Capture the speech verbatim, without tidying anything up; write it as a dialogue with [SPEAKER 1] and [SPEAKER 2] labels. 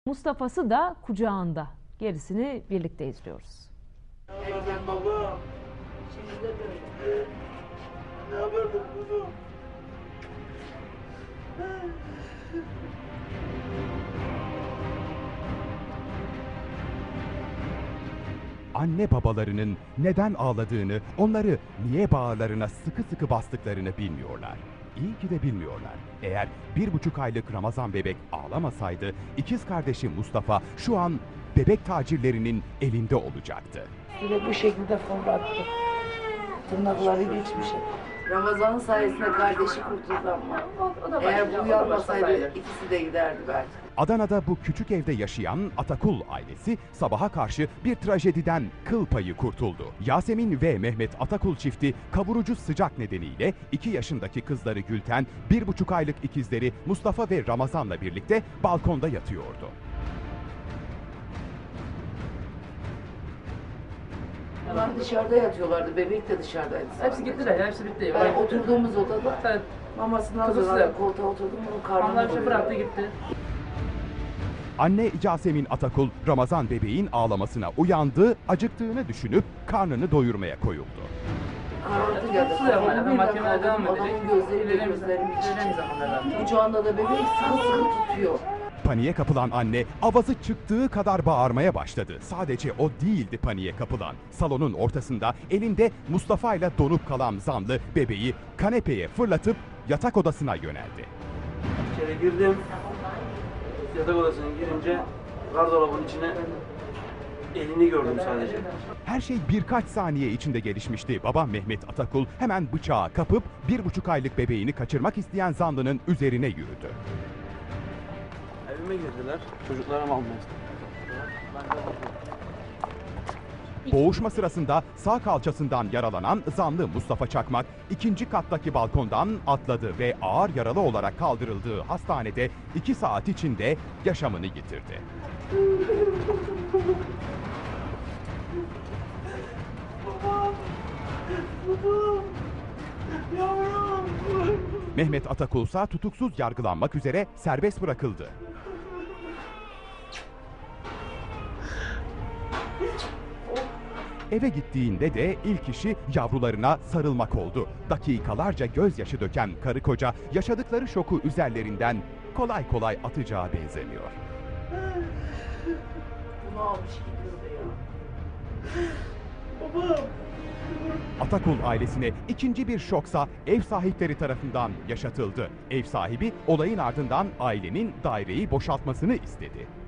[SPEAKER 1] Mustafa'sı da kucağında. Gerisini birlikte izliyoruz.
[SPEAKER 2] Erken baba. Şimdi de böyle. Ne yapıyordun kuzum?
[SPEAKER 3] Anne babalarının neden ağladığını, onları niye bağırlarına sıkı sıkı bastıklarını bilmiyorlar. İyi ki de bilmiyorlar. Eğer bir buçuk aylık Ramazan bebek ağlamasaydı, ikiz kardeşi Mustafa şu an bebek tacirlerinin elinde olacaktı.
[SPEAKER 2] Yine bu şekilde fırlattı. Tırnakları geçmiş. Ramazan'ın sayesinde kardeşi kurtuldu ama. Eğer bu uyanmasaydı ikisi de giderdi belki.
[SPEAKER 3] Adana'da bu küçük evde yaşayan Atakul ailesi sabaha karşı bir trajediden kıl payı kurtuldu. Yasemin ve Mehmet Atakul çifti kavurucu sıcak nedeniyle iki yaşındaki kızları Gülten, bir buçuk aylık ikizleri Mustafa ve Ramazan'la birlikte balkonda yatıyordu.
[SPEAKER 2] Onlar dışarıda yatıyorlardı, bebek de dışarıdaydı.
[SPEAKER 4] Hepsi gittiler ya, hepsi bitti.
[SPEAKER 2] Yani oturduğumuz odada
[SPEAKER 4] Evet.
[SPEAKER 2] mamasını
[SPEAKER 4] Kızı
[SPEAKER 2] hazırladı,
[SPEAKER 4] size-
[SPEAKER 2] koltuğa oturdum, onun karnını
[SPEAKER 4] Onlar işte
[SPEAKER 2] doyurdu.
[SPEAKER 4] bıraktı gitti.
[SPEAKER 3] Anne Yasemin Atakul, Ramazan bebeğin ağlamasına uyandı, acıktığını düşünüp karnını doyurmaya koyuldu.
[SPEAKER 2] Karartı geldi.
[SPEAKER 4] Su yapmaya,
[SPEAKER 2] Kafamı
[SPEAKER 4] mahkemeye
[SPEAKER 2] birden
[SPEAKER 4] devam
[SPEAKER 2] kaldırdım,
[SPEAKER 4] edecek.
[SPEAKER 2] adamın gözleri
[SPEAKER 4] İlerleyen
[SPEAKER 2] gözlerim
[SPEAKER 4] ilerleyen
[SPEAKER 2] içecek.
[SPEAKER 4] zamanlarda.
[SPEAKER 2] Kucağında da bebek sıkı sıkı tutuyor.
[SPEAKER 3] Paniğe kapılan anne avazı çıktığı kadar bağırmaya başladı. Sadece o değildi paniğe kapılan. Salonun ortasında elinde Mustafa ile donup kalan zanlı bebeği kanepeye fırlatıp yatak odasına yöneldi.
[SPEAKER 5] İçeri girdim. Yatak odasına girince gardırobun içine elini gördüm sadece.
[SPEAKER 3] Her şey birkaç saniye içinde gelişmişti. Baba Mehmet Atakul hemen bıçağı kapıp bir buçuk aylık bebeğini kaçırmak isteyen zanlının üzerine yürüdü.
[SPEAKER 5] Evime girdiler. Çocuklarımı almaya
[SPEAKER 3] Boğuşma sırasında sağ kalçasından yaralanan zanlı Mustafa Çakmak ikinci kattaki balkondan atladı ve ağır yaralı olarak kaldırıldığı hastanede iki saat içinde yaşamını yitirdi. Mehmet Atakul ise tutuksuz yargılanmak üzere serbest bırakıldı. Eve gittiğinde de ilk işi yavrularına sarılmak oldu. Dakikalarca gözyaşı döken karı koca yaşadıkları şoku üzerlerinden kolay kolay atacağı benzemiyor.
[SPEAKER 2] Bunu almış gidiyordu ya. Babam.
[SPEAKER 3] Atakul ailesine ikinci bir şoksa ev sahipleri tarafından yaşatıldı. Ev sahibi olayın ardından ailenin daireyi boşaltmasını istedi.